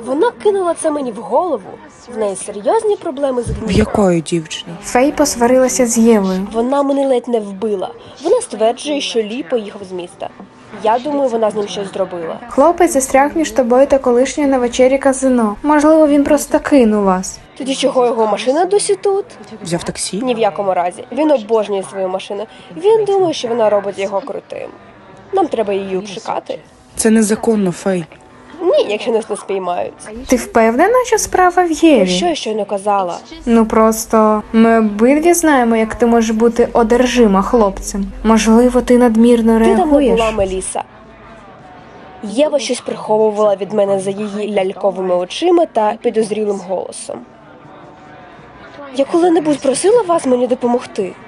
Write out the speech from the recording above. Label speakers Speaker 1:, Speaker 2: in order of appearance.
Speaker 1: Вона кинула це мені в голову. В неї серйозні проблеми з
Speaker 2: В
Speaker 1: гнівом.
Speaker 2: якої дівчини?
Speaker 3: Фей посварилася з Євою.
Speaker 1: Вона мене ледь не вбила. Вона стверджує, що Лі поїхав з міста. Я думаю, вона з ним щось зробила.
Speaker 3: Хлопець застряг між тобою та колишньою на вечері казино. Можливо, він просто кинув вас.
Speaker 1: Тоді чого його машина досі тут?
Speaker 2: Взяв таксі?
Speaker 1: Ні в якому разі. Він обожнює свою машину. Він думає, що вона робить його крутим. Нам треба її обшукати.
Speaker 2: Це незаконно, Фей.
Speaker 1: Ні, якщо нас не спіймають.
Speaker 3: Ти впевнена, що справа в
Speaker 1: Про
Speaker 3: Єві?
Speaker 1: що я щойно казала?
Speaker 3: Ну просто ми обидві знаємо, як ти можеш бути одержима хлопцем. Можливо, ти надмірно
Speaker 1: Ти давно
Speaker 3: реагуєш.
Speaker 1: була, Меліса. Єва щось приховувала від мене за її ляльковими очима та підозрілим голосом. Я коли-небудь просила вас мені допомогти?